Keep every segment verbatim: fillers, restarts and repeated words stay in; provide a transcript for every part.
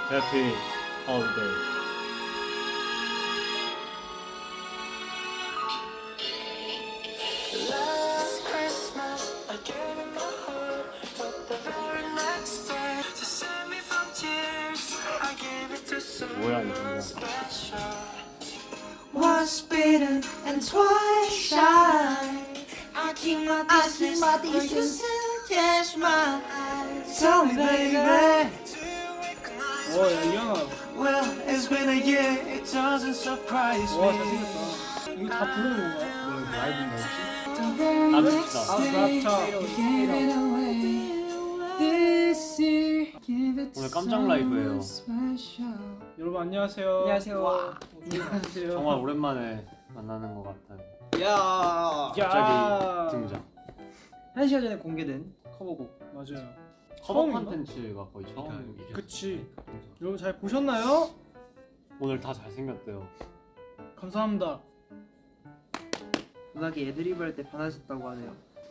Happy holiday. Last Christmas, I gave it my heart, but the very next day, to save me from tears, I gave it to 뭐야 이 someone 친구야. special. Once bitten and twice shy. I keep my distance, but you still catch my eyes. Tell me, baby. 와, 야, 이현아. Well, it's been a year. It doesn't surprise 와, me. 잘생겼다. 이거 다 부르는 건가요? 라이브인가 혹시? 아, 남읍시다. 랍차. 오늘 깜짝 라이브예요. 여러분 안녕하세요. 안녕하세요. 안녕하세요. 정말 오랜만에 만나는 것 같아요. 야. 갑자기 등장. 한 시간 전에 공개된 커버곡. 맞아요. 커버 처음인가? 콘텐츠가 거의 처음이죠. 그치. 여러분 잘 보셨나요? 오늘 다 잘생겼대요. 감사합니다. 문학이 애드리브 할 때 반하셨다고 하네요.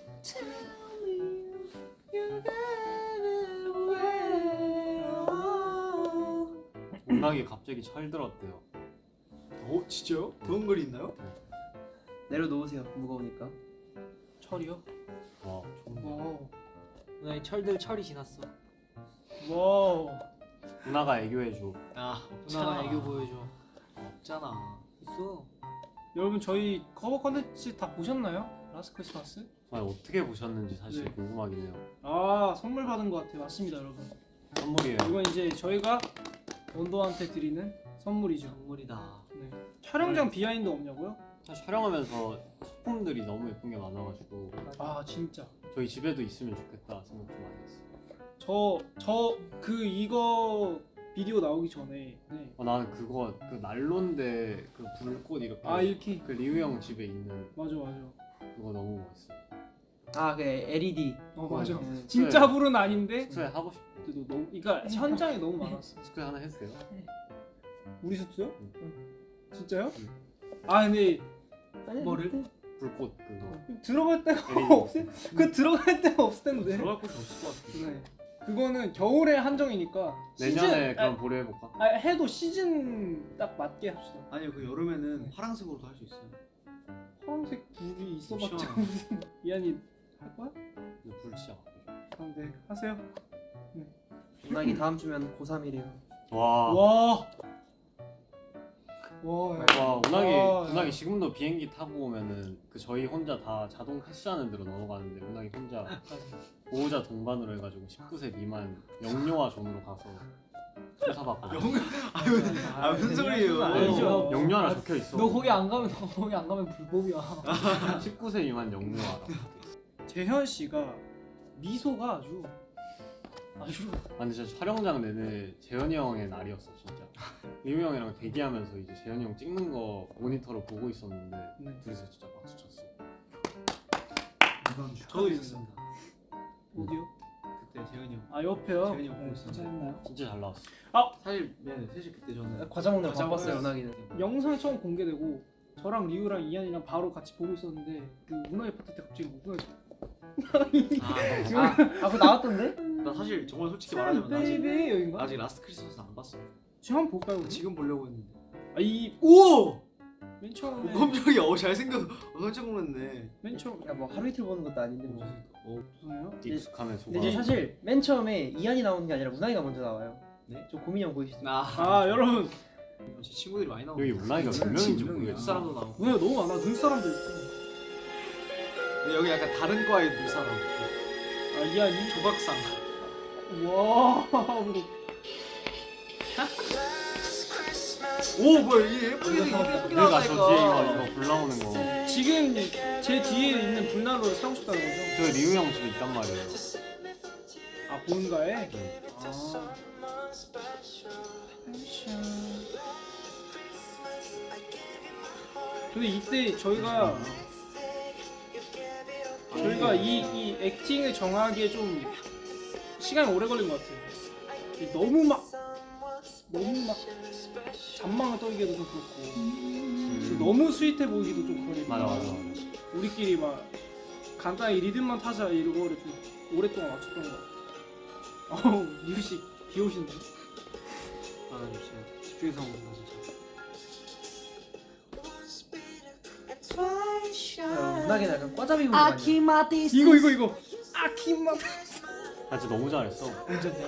음악이 갑자기 철들었대요. 어? 진짜요? 그런 글이 있나요? 내려놓으세요. 무거우니까. 철이요? 와 좋은데. 와우. 너의 철들 철이 지났어. 와우. 누나가 애교해줘. 아 누나가 애교 보여줘. 없잖아. 있어. 여러분 저희 커버 컨텐츠 다 보셨나요? 라스트 크리스마스? 정말 어떻게 보셨는지 사실 네. 궁금하긴 해요. 아 선물 받은 것 같아요. 맞습니다 여러분. 선물이에요. 이건 이제 저희가 원도한테 드리는 선물이죠. 선물이다. 네. 촬영장 비하인드 없냐고요? 사실 촬영하면서 소품들이 너무 예쁜 게 많아가지고 아 진짜. 저희 집에도 있으면 좋겠다 생각 좀 많이 했어요. 저 저 그 이거 비디오 나오기 전에 네. 어, 나는 그거 그 난로인데 그 불꽃 이렇게 아 이렇게 그 리우 형 집에 있는 맞아 맞아. 그거 너무 멋있어요. 아, 그 엘이디. 어 맞아. 네. 진짜 불은 아닌데. 숙소에 하고 싶어. 그래도 너무 그러니까 현장에 너무 많았어. 숙소에 하나 했어요. 우리 숙소요? 응. 진짜요? 응. 아 근데 뭐를? 불꽃 그거. 들어갈 데가 엘이디. 없을 그 들어갈 데가 없을 텐데. 들어갈 곳이 없을 것 같은데. 네. 그거는 겨울에 한정이니까 내년에 시즌, 그럼 보려 해볼까? 아, 아, 해도 시즌 딱 맞게 합시다. 아니요 그 여름에는 파란색으로도 할 수 있어요. 파란색 불이 있어봤자 시원하네. 무슨 이한이 할 거야? 근데 불 진짜 바꾸죠. 아, 네 하세요. 문학이 다음 주면 고삼이래요. 와. 와. 와. 야. 와 운학이 와, 운학이 지금도 비행기 타고 오면은 그 저희 혼자 다 자동 패스하는 데로 넘어가는데 운학이 혼자 보호자 동반으로 해가지고 십구 세 미만 영유아 존으로 가서 조사받고. 아유 아 무슨 소리예요? 아니죠. 영유아라 적혀 있어. 너 거기 안 가면 너 거기 안 가면 불법이야. 십구 세 미만 영유아라. 재현 씨가 미소가 아주 아주 아 근데 진짜 촬영장 내내 재현이 형의 날이었어 진짜. 리우 형이랑 대기하면서 이제 재현이 형 찍는 거 모니터로 보고 있었는데 네. 둘이서 진짜 박수 쳤어. 저도 있었습니다. 어디요? 그때 재현이 형. 아 옆에요. 재현이 형 보고 네, 있었는데. 진짜 했나요? 진짜 잘 나왔어. 사실 네 셋이 그때 저는 과자 먹는 거 과자 바빴어요, 먹어요. 문학이는. 영상이 처음 공개되고 저랑 리우랑 이한이랑 바로 같이 보고 있었는데 그 문화의 파트 때 갑자기 뭐가 아, 아, 아, 그거 나왔던데? 나 사실 정말 솔직히 말하자면 나 아직, 베이비 여긴가? 아직 라스트 크리스마스 안 봤어. 지금 한번 볼까요? 우리? 지금 보려고 했는데. 아이 오! 맨 처음에 오 깜짝이야. 어 잘생겨. 어, 깜짝 놀랐네. 맨 처음 야, 뭐 하루 이틀 보는 것도 아닌데 뭐. 어 무슨요? 익숙함에 속아. 근데 이제 사실 맨 처음에 이한이 나오는 게 아니라 문학이가 먼저 나와요. 네? 저 고민이 형 보이시죠? 나 아 여러분 제 친구들이 많이 나오고. 여기 문학이가 몇 명인지 두 모르겠어. 사람도 나오고. 문화가 너무 많아. 눈사람도 있고. 근데 여기 약간 다른 과의 눈사람. 아 이한이 조각상. 와 오 뭐야 이게 예쁘게 예쁘게 내가 저 나왔다니까. 뒤에 이거 이거 불 나오는 거. 지금 제 뒤에 있는 불난로를 사고 싶다는 거죠? 저 리우 형 집에 있단 말이에요. 아 본가에? 네. 아 근데 이때 저희가 저희가 이, 이 액팅을 정하기에 좀 시간이 오래 걸린 것 같아요. 이 너무 막 너무 막 잔망을 떨기도 좀 그렇고 너무 스윗해 보이기도 좀 그러니까 맞아 맞아 맞아. 우리끼리 막 간단히 리듬만 타자 이거를 좀 오랫동안 맞췄던 것 같아. 어우 유씨 비 오신다. 아 진짜 집중해서 먹는다 진짜. twice 어, shy. 문학이는 약간 과자비 부분 I 아니야? keep my distance. 이거 이거 이거. 아키마. 아 진짜 너무 잘했어. 언제냐?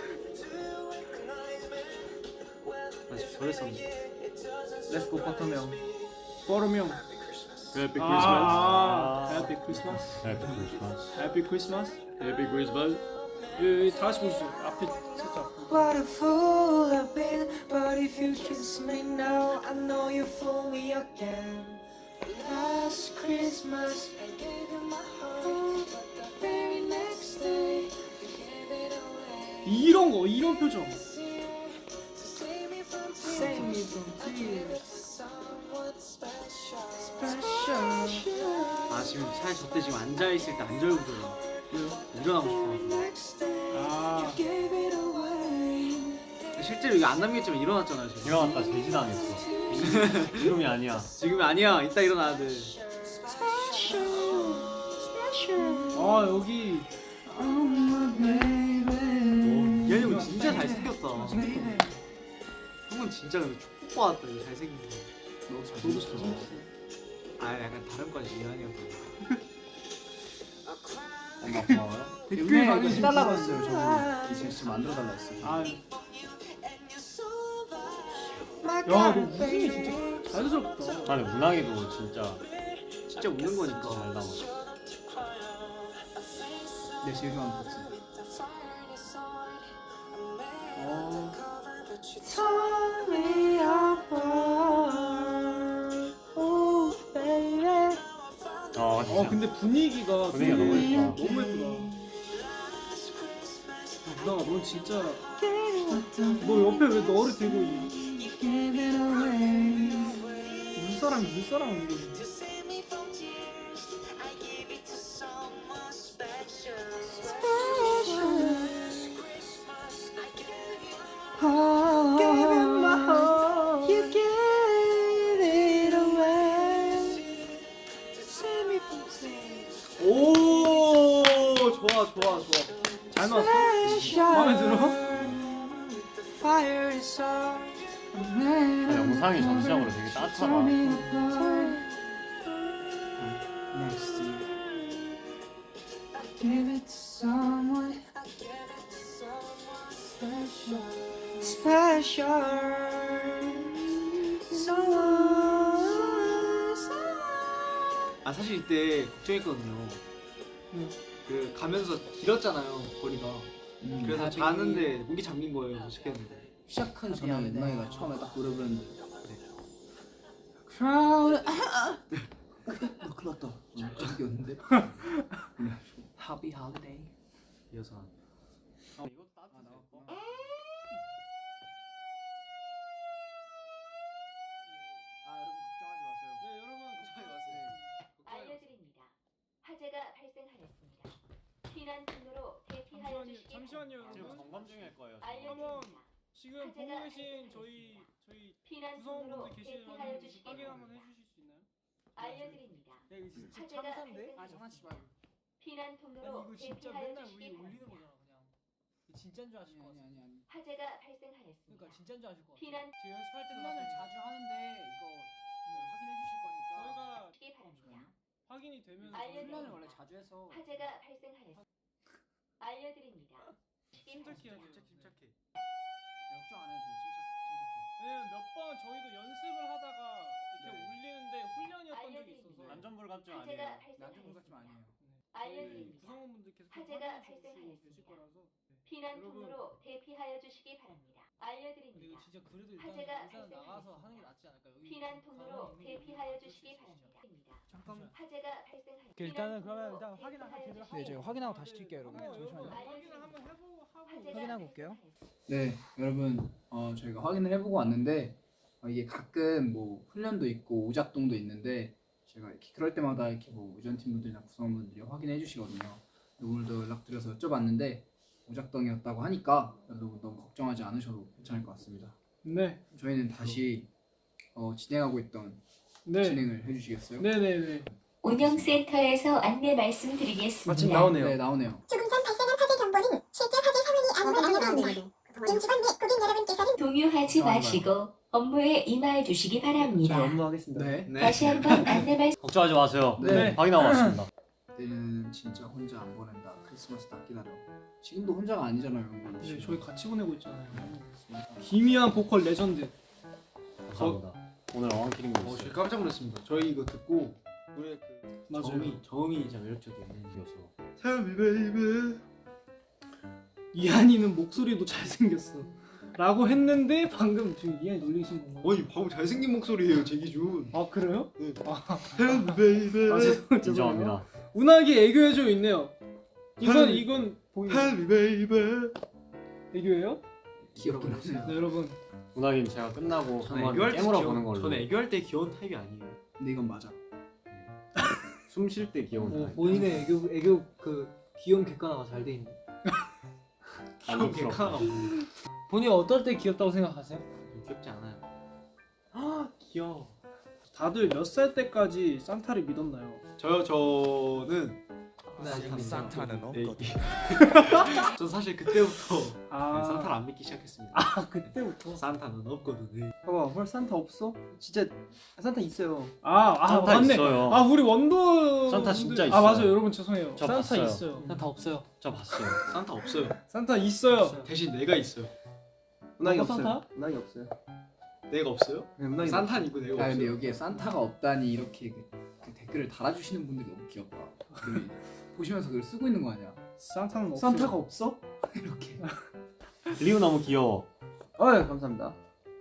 나 지금 저랬었는데. 렛츠고 버터명. 버르명. 해피 아, 해피 크리스마스. 해피 크리스마스. 해피 크리스마스. 해피 크리스마스. 여기 다 같이 보시죠. 앞에 살짝. What a fool I've been. But if you kiss me now, I know you fool me again. Last Christmas, I gave you my heart. But the very next day, you gave it away. 이런 거, 이런 표정. Save me from tears. Save me from tears. Someone special. Special. 아 지금 차에 저때 지금 앉아 있을 때 안절부절해. 일어나고 싶어. Next day, 아. you gave it away. 실제로 이거 안 남겼지만 일어났잖아요 지금. 일어났다 제지당했어. 지금이 아니야. 지금이 아니야. 이따 일어나야 돼. Special. Special. 아 여기 Oh my baby. 이한이 형 진짜 잘생겼다. 형은 진짜 근데 촉 받았다. 이거 잘생긴 거. 너도 잘생겼어. 아 약간 다른 과지 이한이 형. 엄마 고마워요. 댓글 많이 해달라고 했어요. 저는. 이제 진짜 만들어 달라 했어요. 아, My 야, 너 God, 웃음이 baby. 진짜 자연스럽다. 아니 문학이도 진짜 진짜 웃는 거니까. 잘 나와. 내 제일 좋아하는 박스. 어, Tore me apart. Oh, baby. 아 진짜. 어 근데 분위기가 분위기가 너무 되게 예쁘다. 너무 예쁘다. 누나가 넌 진짜 너 옆에 왜 너를 들고 있니? Give it away. 눈사람 눈사람 이거. Oh, give it my heart. You gave it away. Save me from tears. 오 좋아 좋아 좋아. 잘 나왔어? 마음에 들어? Fire is on. 아, 영상이 전체적으로 되게 따뜻하다. Next year, I give it to someone. Special, special. Someone, someone. 아 사실 이때 걱정했거든요. 응. 그 가면서 길었잖아요 거리가. 음. 그래서 자는데 목이 잠긴 거예요. 무식했는데. 시작하기 전에 은나이가 처음에 딱 노래 부르는데 Crowd. 너 큰일 났다. 저기였는데. Happy holiday. 이어서 어, 이것도 따뜻해. 어? 아 여러분 걱정하지 마세요. 네 여러분 걱정하지 마세요. 알려드립니다. 화재가 발생하였습니다. 피난 통로로 대피하여 잠시만요, 주시기 잠시만요, 바랍니다. 지금 여러분. 점검 중일 거예요. 지금. 알려드립니다. 지금 보고 계신 저희 저희 피난 통로로 구성원분들 대피하여 계시면 주시기 확인 한번 바랍니다. 해주실 수 있나요? 알려드립니다. 야 이거 진짜 화재가 참사인데? 발생하였습니다. 피난 아니 통로로 이거 진짜 대피하여 맨날 주시기 우리 올리는 바랍니다. 거잖아 그냥. 이거 진짜인 줄 아실 것 같아. 아니 아니. 화재가 발생하였습니다. 그러니까 진짜인 줄 아실 것 같아. 피난 제 연습할 때도 훈련을 막 자주 하는데 이거 확인해 주실 거니까. 저희가 주시기 바랍니다. 확인이 되면 알려드립니다. 훈련을 원래 자주 해서. 화재가 발생하였습니다. 알려드립니다. 주시기 침착해 바랍니다. 침착해 침착해. 걱정 안 해도 돼요. 침착 침착해. 왜냐면 몇 번 저희도 연습을 하다가 이렇게 네. 울리는데 훈련이었던 적이 있어서 알려드립니다. 안전불감증 화재가 아니에요. 나중에 같지만 발생하였습니다. 아니에요. 저희 알려드립니다. 구성원분들께서 화재가 확인해 주시고 발생하였습니다. 계실 거라서. 피난 여러분. 통로로 대피하여 주시기 바랍니다. 근데 알려드립니다. 이거 진짜 그래도 일단 화재가 일단 발생하였습니다. 나가서 하는 게 낫지 않을까? 여기 피난 가만히 통로로 있는 게 대피하여 그럴 수 주시기 있으시죠? 바랍니다. 잠깐만. 화재가 발생하였습니다. 오케이, 일단은 그러면 일단 확인 한번 대피하여 제대로 주시기 네, 제가 확인하고 다시 킬게요, 여러분. 어, 여러분 잠시만요. 확인을 한번 해보고 하고 화재가 확인하고 올게요. 발생하였습니다. 네, 여러분, 어, 저희가 확인을 해보고 왔는데 어, 이게 가끔 뭐 훈련도 있고 오작동도 있는데 제가 이렇게 그럴 때마다 이렇게 뭐 의전팀 분들이나 구성원분들이 확인해 주시거든요. 오늘도 연락드려서 여쭤봤는데 오작동이었다고 하니까 여러분 너무 걱정하지 않으셔도 괜찮을 것 같습니다. 네. 저희는 다시 어, 진행하고 있던 네. 진행을 해주시겠어요? 네네네. 운영센터에서 안내 말씀드리겠습니다. 마침 나오네요. 네, 나오네요. 조금 전 발생한 화재 경보는 실제 화재 상황이 아님을 알려드립니다. 임직원 및 고객 여러분께서는 동유 하지 마시고 업무에 임하여 주시기 바랍니다. 저희 업무하겠습니다. 네. 네. 다시 한번 안내 말씀 걱정하지 마세요. 네. 확인하고 왔습니다. 그때는 진짜 혼자 안 보낸다. 크리스마스 딱 기다려. 지금도 혼자가 아니잖아요. 여러분. 네, 저희 같이 보내고 있잖아요. 그러니까. 기미한 보컬 레전드. 감사합니다. 오늘 어원키링도 어, 있어요. 저희 깜짝 놀랐습니다. 저희 이거 듣고 노래 그 맞아요. 저음이 저음이 진짜 매력적이에요. 이어서 Tell me baby. 이한이는 목소리도 잘생겼어. 라고 했는데 방금 지금 이한이 놀리신 건가요? 아니 방금 잘생긴 목소리예요 제 기준. 아 그래요? 네. 아, Tell me baby. 아 죄송- 죄송해요. 인정합니다. 운하기 애교해줘 있네요. 이건 헐. 이건 보이는 Tell me baby. 애교예요? 귀엽긴 하네요. 네 여러분. 문학인 제가 끝나고 저는 한번 애교할 때 깨물어 귀여운- 보는 걸로. 저는 애교할 때 귀여운 타입이 아니에요. 근데 이건 맞아. 숨 쉴 때 귀여운 뭐 타입. 본인의 애교 애교 그 귀여운 객관화가 잘 돼 있네. 귀여운 부럽다. 개카가 없네. 본인 어떨 때 귀엽다고 생각하세요? 귀엽지 않아요. 아 귀여워. 다들 몇 살 때까지 산타를 믿었나요? 저요 저는 근데 아직 산타는 없거든. 없거든. 전 사실 그때부터 아, 네, 산타를 안 믿기 시작했습니다. 아 그때부터. 산타는 없거든. 네. 봐봐, 헐 산타 없어? 진짜 산타 있어요. 아, 아 산타 맞네. 있어요. 아 우리 원더 산타 진짜 아 있어요. 맞아요 여러분 죄송해요. 저 산타 봤어요. 있어요. 산타 없어요. 저 봤어요. 산타 없어요. 산타 있어요. 대신 내가 있어요. 운항이 아빠 없어요. 산타? 운항이 없어요. 내가 없어요? 네, 운항이 산타는 있고 내가 아 근데 없어요. 여기에 산타가 없다니 이렇게 그, 그 댓글을 달아주시는 분들이 너무 귀엽다. 그, 보시면서 그걸 쓰고 있는 거 아니야? 산타는 없어요. 산타가 없어? 이렇게. 리우 너무 귀여워. 어이 감사합니다.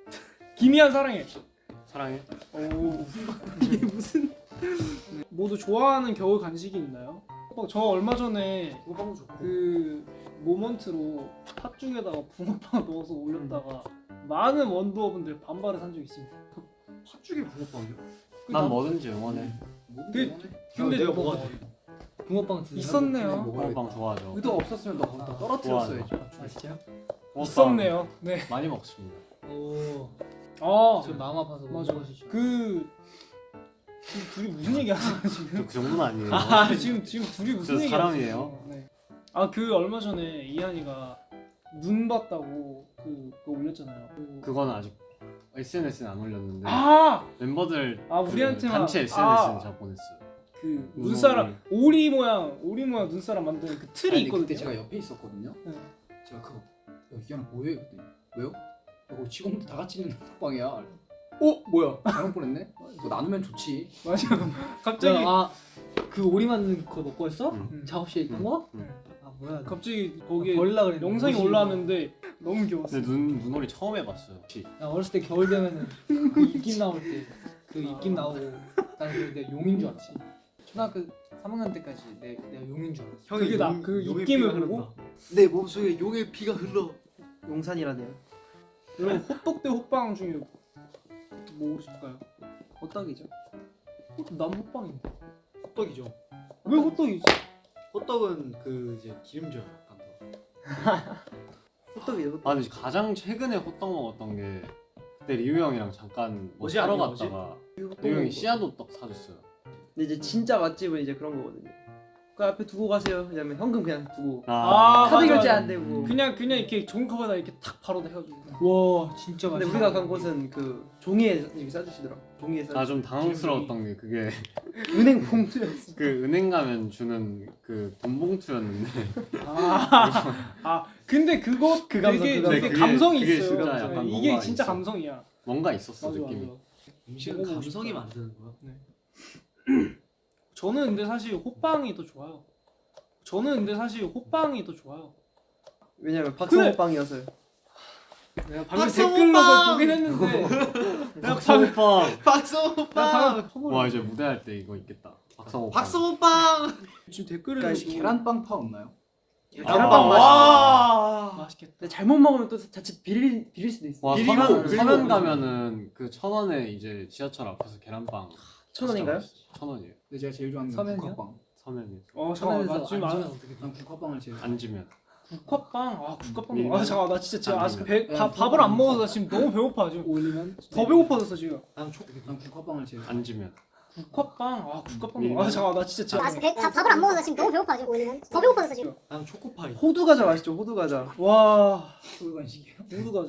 기미한 사랑해. 사랑해. 오 이게 무슨 모두 좋아하는 겨울 간식이 있나요? 어, 저 얼마 전에 붕어빵도 좋고. 그 모먼트로 팥죽에다가 붕어빵 넣어서 올렸다가 많은 원더분들 반발을 산 적이 있습니다. 팥죽에 붕어빵이요? 그 난 나- 뭐든지 응원해. 그- 근데 내가 뭐- 뭐가 돼? 붕어빵 드세요? 있었네요. 붕어빵 좋아하죠. 의도 없었으면 너 거기다 떨어뜨렸어야지. 아 진짜요? 붕어빵 있었네요. 네. 많이 먹습니다. 오. 아, 저 마음 아파서 못 맞아. 먹으시죠. 그 지금 둘이 무슨 얘기 하세요 지금? 저 그 정도는 아니에요. 아 지금 지금 둘이 무슨 저 얘기 사람이에요. 하세요? 네. 아그 얼마 전에 이한이가 눈 봤다고 그 그거 올렸잖아요. 그- 그거는 아직 에스엔에스는 안 올렸는데 아! 멤버들 아, 그 우리한테만- 단체 에스엔에스는 아. 제가 보냈어요. 그 눈 눈사람 오리 모양 오리 모양 눈사람 만드는 그 틀이 아니, 있거든요. 그때 제가 옆에 있었거든요. 네. 제가 그거 야 이현아 뭐해? 그랬더니 왜요? 이거 직원들 다 같이 있는 톡방이야. 어 뭐야? 잘못 보냈네? 이거 나누면 좋지. 맞아. 갑자기 아그 오리 만든 거 먹고 했어? 응. 작업실에 있던 응. 거? 응. 아 뭐야? 갑자기 거기에 버릴라 그랬는데 영상이 뭐지, 올라왔는데 너무 귀여웠어. 근데 눈 눈오리 처음 해봤어요. 혹시 나 어렸을 때 겨울 되면은 그 입김 나올 때 그 입김 나오고 나는 그 내가 용인 줄 알았지. 초등학교 삼 학년 때까지 내, 내가 용인 줄 알았어. 그게 나 그 용의 입김을 피가 보고 흐른다. 내 몸속에 용의 피가 흘러. 용산이라네요. 여러분 호떡 대 호빵 중에 뭐 고르실까요? 호떡이죠. 난 호빵인데. 호떡이죠. 왜 호떡이지? 호떡은 그 이제 기름져요. 약간 더. 호떡이죠. 호떡. 아 근데 가장 최근에 호떡 먹었던 게 그때 리우 형이랑 잠깐 뭐 어제 사러 아니에요, 어제? 갔다가 리우 형이 씨앗 호떡 사줬어요. 근데 이제 진짜 맛집은 이제 그런 거거든요. 그 앞에 두고 가세요. 왜냐면 현금 그냥 두고 아, 카드 맞아, 결제 맞아. 안 되고. 그냥 그냥 이렇게 종이컵에다 이렇게 탁 바로 해가지고. 와 진짜 근데 맛있어. 우리가 간 곳은 그 종이에 이렇게 싸주시더라. 종이에 싸. 아 좀 당황스러웠던 게 그게 은행 봉투였어. 그 은행 가면 주는 그 돈 봉투였는데 아, 아 근데 그거 그 감성, 되게 그 감성. 되게 그게- 감성이 그게 있어요. 진짜 네, 약간 이게 뭔가 진짜 있어. 감성이야. 뭔가 있었어 맞아 느낌이. 맞아. 음식은 먹어보고 감성이 싶다. 만드는 거야. 저는 근데 사실 호빵이 더 좋아요. 저는 근데 사실 호빵이 더 좋아요. 왜냐면 박성호 그래. 빵이어서요. 내가 방금 박성호 댓글로 빵! 보긴 했는데 내가 방금 박성호빵. 박성호빵. 내가 방금 와 이제 무대할 때 이거 있겠다. 박성호빵. 박성호빵. 지금 댓글을 그러니까 보고 계란빵 파 없나요? 계란빵 와 맛있겠다. 근데 잘못 먹으면 또 자칫 비릴 비릴 수도 있어. 와 비리고, 서면 비리고. 서면 가면은 그 천 원에 이제 지하철 앞에서 계란빵 천 원인가요? 진짜 맛있어요. 천 원이에요. 근데 제가 제일 좋아하는 건 서면이요? 국화빵. 서면이 어 잠깐만 나 지금 안 난 국화빵을 제일 좋아해. 앉으면 국화빵 아 국화빵 밀면 아 잠깐 나 진짜 지금 안 아직 밀면. 배, 밥 밥을 안 먹어서 나 지금 너무 배고파 지금 올리면 더 배고파졌어 지금 난 초. 난 국화빵을 제일 좋아해. 앉으면 국화빵 아 국화빵 밀면. 아 잠깐 나 진짜 아, 지금 배, 밥, 밥을 안 먹어서 지금 너무 배고파 지금 올리면 더 배고파졌어 지금. 난 초코파이. 호두 과자 맛있죠. 호두 과자. 와 소유 간식이에요. 모두 가자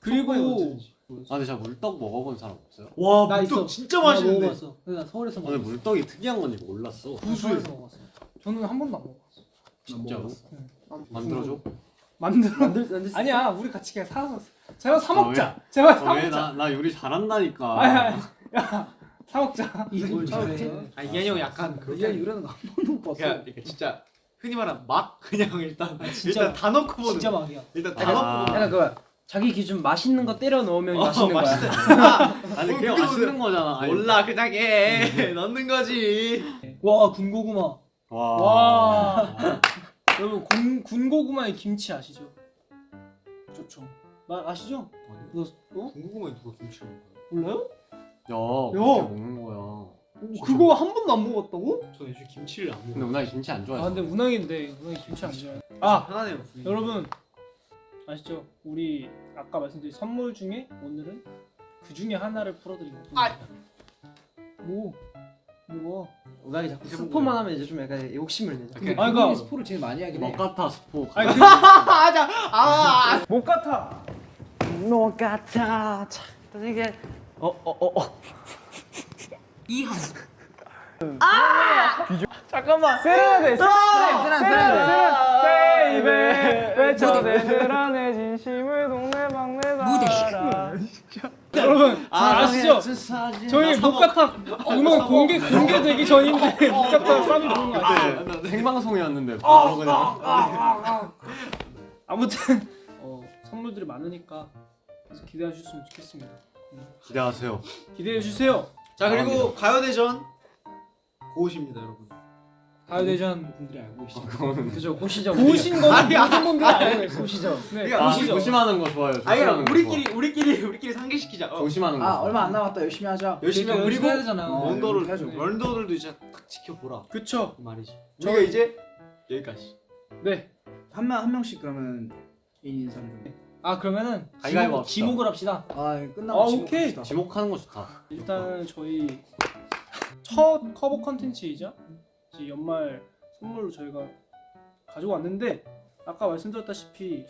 그리고 아 근데 제가 물떡 먹어본 사람 없어요? 와 나 물떡 있어. 진짜 나 맛있는데. 먹어봤어. 근데 나 서울에서 오늘 먹었어. 물떡이 특이한 건지 몰랐어. 나 서울에서 먹었어. 저는 한 번도 안 먹어봤어. 진짜로? 응. 만들어줘? 만들어. 만들 만들 수 아니야, 우리 같이 그냥 사서 제발 사 아, 먹자. 제발 사 어, 왜? 먹자. 나, 나 요리 잘한다니까. 아니, 아니, 야, 사 먹자. 이걸 잘해. 잘해. 아 이한이 형 약간 이게 그렇게 이러는 거 한 번도 못 봤어. 그냥 이렇게 진짜 흔히 말하는 맛 그냥 일단 진짜- 일단 다 넣고 보는. 진짜 막이야. 일단 다 아. 넣고 보는. 약간 그 자기 기준 맛있는 거 때려 넣으면 어, 맛있는 거야. 아니 어, 그게 그게 맛있는 거잖아. 아니, 몰라 그냥 해 넣는 거지. 와 군고구마. 와. 와. 여러분 군 군고구마의 김치 아시죠? 좋죠. 마, 아시죠? 너 어? 궁금해 누가 김치를 먹어요? 몰라요? 야, 그렇게 야. 먹는 거야. 오, 그거 한 번도 안 먹었다고? 저는 요즘 김치를 안 근데 먹어요. 운항이 김치 안 아 좋아해서. 근데 운항인데 운항이 김치 안 좋아해. 아 하나네요. 부인이. 여러분 아시죠? 우리 아까 말씀드린 선물 중에 오늘은 그 중에 하나를 풀어드리고. 아. 뭐 뭐가? 우당이 자꾸 해본 스포만 거예요. 하면 이제 좀 약간 욕심을 내자. 오케이. 아, 그러니까- 본인이 스포를 제일 많이 하긴 해. 먹같아 스포. 아니 그 맞아. 아. 못 같아. 너 같아. 이게 어어어 어. 이형 잠깐만. 세레나데. 세레나, 세레나. 베이베 외쳐내 늘 안에 진심을 동네 방네 달아. 여러분 아, 아시죠? 저희 목카타 음원 공개 공개되기 전인데 목카타 쌈이 부른 거 아시죠? 네, 생방송이었는데 바로 그냥. 아무튼 어, 선물들이 많으니까 계속 기대해 주셨으면 좋겠습니다. 기대하세요. 기대해 주세요. 자 그리고 가요대전 고우십니다 여러분. 가요대전 분들이 알고 계시죠. 그거는 그죠 고시점. 보신 거는 모든 분들이 알고 계세요. 고시점. 네, 그러니까 아, 보시죠. 조심하는 거 좋아요. 아니 조심하는 거 우리끼리 우리끼리 우리끼리 상기시키자. 좋아. 어. 조심하는 거. 아 좋아. 얼마 안 남았다. 열심히 하자. 열심히 하고 그러니까 그리고 해야 되잖아요. 어, 원더를 해야죠. 원더들도 이제 딱 지켜보라 그쵸? 그 말이지. 저희가 이제 여기까지. 네. 한 명 한 명씩 그러면 개인 인사를 좀. 아 그러면은 가위바위보 지목, 합시다. 지목을 합시다. 아 끝나고 아, 지목 오케이. 합시다. 지목하는 거 좋다. 일단 저희 첫 커버 컨텐츠이자 이제 연말 선물로 저희가 가지고 왔는데 아까 말씀드렸다시피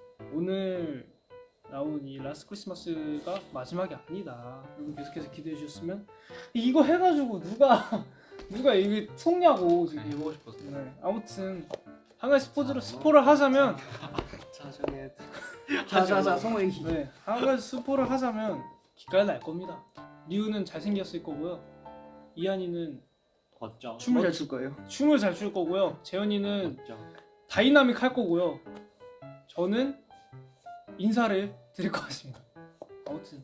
오늘 나온 이 라스트 크리스마스가 마지막이 아니다. 여러분 계속해서 기대해 주셨으면 이거 해가지고 누가 누가 이게 속냐고 지금. 해보고 싶어서. 네. 아무튼 한 가지 스포를 스포를 하자면 자정에 자자자 성호 얘기. 네, 한 가지 스포를 하자면 기깔 날 겁니다. 리우는 잘생겼을 거고요. 이한이는 걷죠. 춤을 잘 출 거예요. 춤을 잘 출 거고요. 재현이는 걷죠. 다이나믹 할 거고요. 저는 인사를 드릴 것 같습니다. 아무튼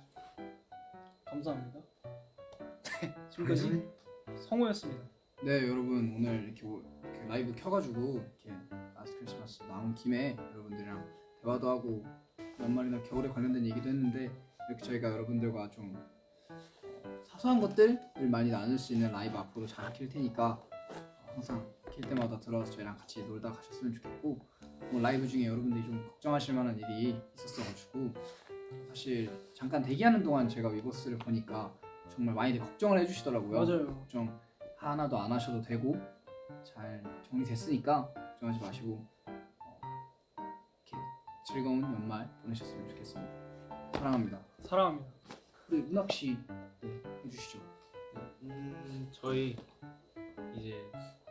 감사합니다. 네, 지금까지 성호였습니다. 네 여러분 오늘 이렇게, 오- 이렇게 라이브 켜가지고 이렇게 라스트 크리스마스 나온 김에 여러분들이랑 대화도 하고 연말이나 겨울에 관련된 얘기도 했는데 이렇게 저희가 여러분들과 좀 어, 사소한 것들을 많이 나눌 수 있는 라이브 앞으로 잘 킬 테니까 어, 항상 킬 때마다 들어와서 저희랑 같이 놀다 가셨으면 좋겠고 오늘 라이브 중에 여러분들이 좀 걱정하실 만한 일이 있었어가지고 사실 잠깐 대기하는 동안 제가 위버스를 보니까 정말 많이들 걱정을 해주시더라고요. 맞아요. 걱정 하나도 안 하셔도 되고 잘 정리됐으니까 걱정하지 마시고 어, 이렇게 즐거운 연말 보내셨으면 좋겠습니다. 사랑합니다. 사랑합니다. 우리 문학 씨 네, 해주시죠. 음 저희 이제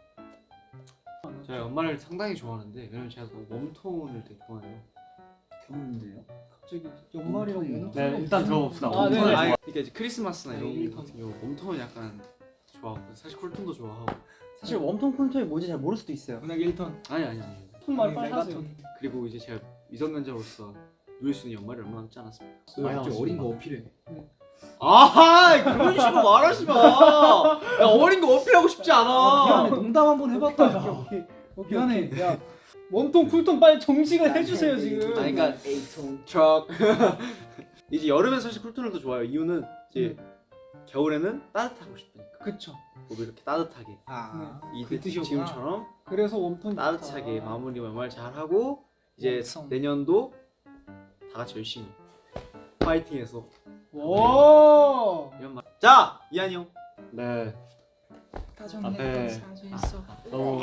제가 연말을 상당히 좋아하는데 왜냐면 제가 그 웜톤을 되게 좋아해요. 겨울인데요. 갑자기 연말이라고 음. 네, 일단 들어봅시다. 아, 웜톤을 네네. 좋아- 아니, 그러니까 이제 크리스마스나 이런 네, 거 같은 경우 웜톤은 약간 좋아하고 사실 쿨톤도 좋아하고. 사실 웜톤 콘톤이 뭔지 잘 모를 수도 있어요. 문학 일 턴. 아니 아니 아니. 톤말 빨리 하세요. 그리고 이제 제가 미성년자로서 누릴 수 있는 연말이 얼마 남지 않았습니다. 많이 갑자기 나왔습니다. 어린 거 어필해. 아 그런 식으로 말하지 마. 야, 어린 거 어필하고 싶지 않아. 미안해 농담 한번 해봤다. 야. 오케이, 오케이, 미안해. 오케이. 야, 웜톤 쿨톤 빨리 정식을 해주세요 지금. 아니 그러니까 에이통. 척. 이제 여름엔 사실 쿨톤을 더 좋아해요. 이유는 이제 겨울에는 따뜻하고 싶으니까. 그쵸. 몸이 이렇게 따뜻하게. 아 이 그 뜻이었구나. 지금처럼 그래서 웜톤 따뜻하게 마무리 연말 잘 하고 이제 웜성. 내년도 다 같이 열심히 파이팅해서 와. 이런 말. 자 이한이 형. 네, 다정했던 앞에 사진 속. 너무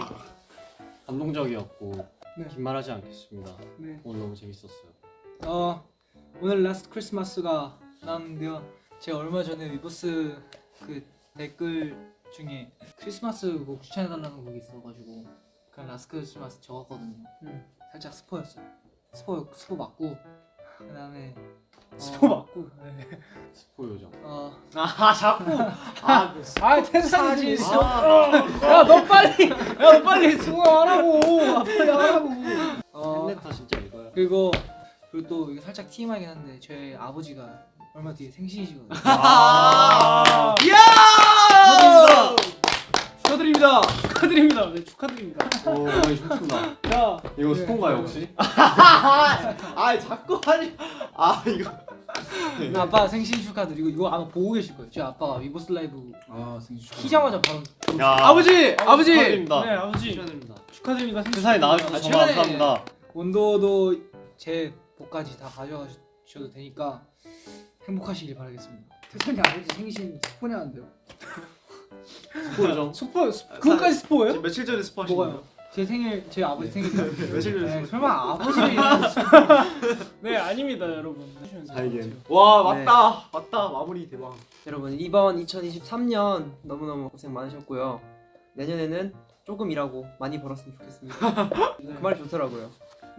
감동적이었고 네. 긴 말하지 않겠습니다. 네. 오늘 너무 재밌었어요. 어 오늘 라스트 크리스마스가 나왔는데요. 제가 얼마 전에 위버스 그 댓글 중에 크리스마스 곡 추천해달라는 곡이 있어가지고 그냥 라스트 크리스마스 적었거든요. 음. 살짝 스포였어요. 스포 스포 맞고 그다음에 스포 맞고. 네. 스포 요정. 어 아 자꾸 아 그 아 태사진. 아, 야너 빨리. 야너 빨리 스포 하라고. 아, 빨리 하라고. 어, 팬레터 진짜 이거야. 그리고 그리고 또 이게 살짝 티엠아이긴 한데 저희 아버지가 얼마 뒤에 생신이시거든요. 아, 이야! 축하드립니다. 축하드립니다. 네, 축하드립니다. 오, 많이 좋구나. 야 이거 스폰가요 혹시? 아 자꾸 하니 아 이거 아빠 생신 축하드리고 이거 아마 보고 계실 거예요. 저희 아빠가 위버스 라이브 아 생일 축하. 키자마자 바로 야, 아버지, 아버지. 축하드립니다. 네 아버지 축하드립니다. 축하드립니다. 생신 세상에 나와주셔서 아, 정말 최근에- 감사합니다. 온도도 제 복까지 다 가져가셔도 되니까 행복하시길 바라겠습니다. 태선이 아버지 생신 스포냐는데요. 스포 요정. 스포 스- 그것까지 스포예요? 지금 며칠 전에 스포하신 뭐가요? 거예요? 제 생일 제 아버지 생일 며칠 전에 네, 스포. 설마 아버지를 네 아닙니다 여러분. 다이겐. 와 맞다 맞다 마무리 대박. 여러분 이번 이천이십삼 년 너무너무 고생 많으셨고요. 내년에는 조금 일하고 많이 벌었으면 좋겠습니다. 그 말이 좋더라고요.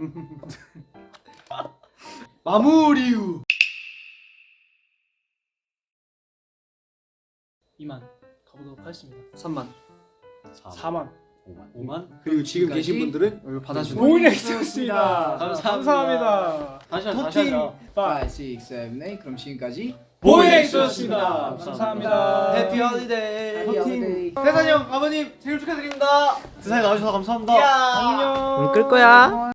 마무리 후. 이만 가보도록 하겠습니다. 삼만 사만. 오만. 오만? 그리고 지금 계신 분들은 여기 받아주고 보이넥스였습니다. 감사합니다. 감사합니다. 다시 하자. 다시 하자. 빠 오, 육, 칠, 팔. 그럼 지금까지 보이넥스였습니다. 감사합니다. 해피 홀리데이. 호팅. 태산이 형 아버님 생일 축하드립니다. 세상에 나와주셔서 감사합니다. 야. 안녕. 끌 거야.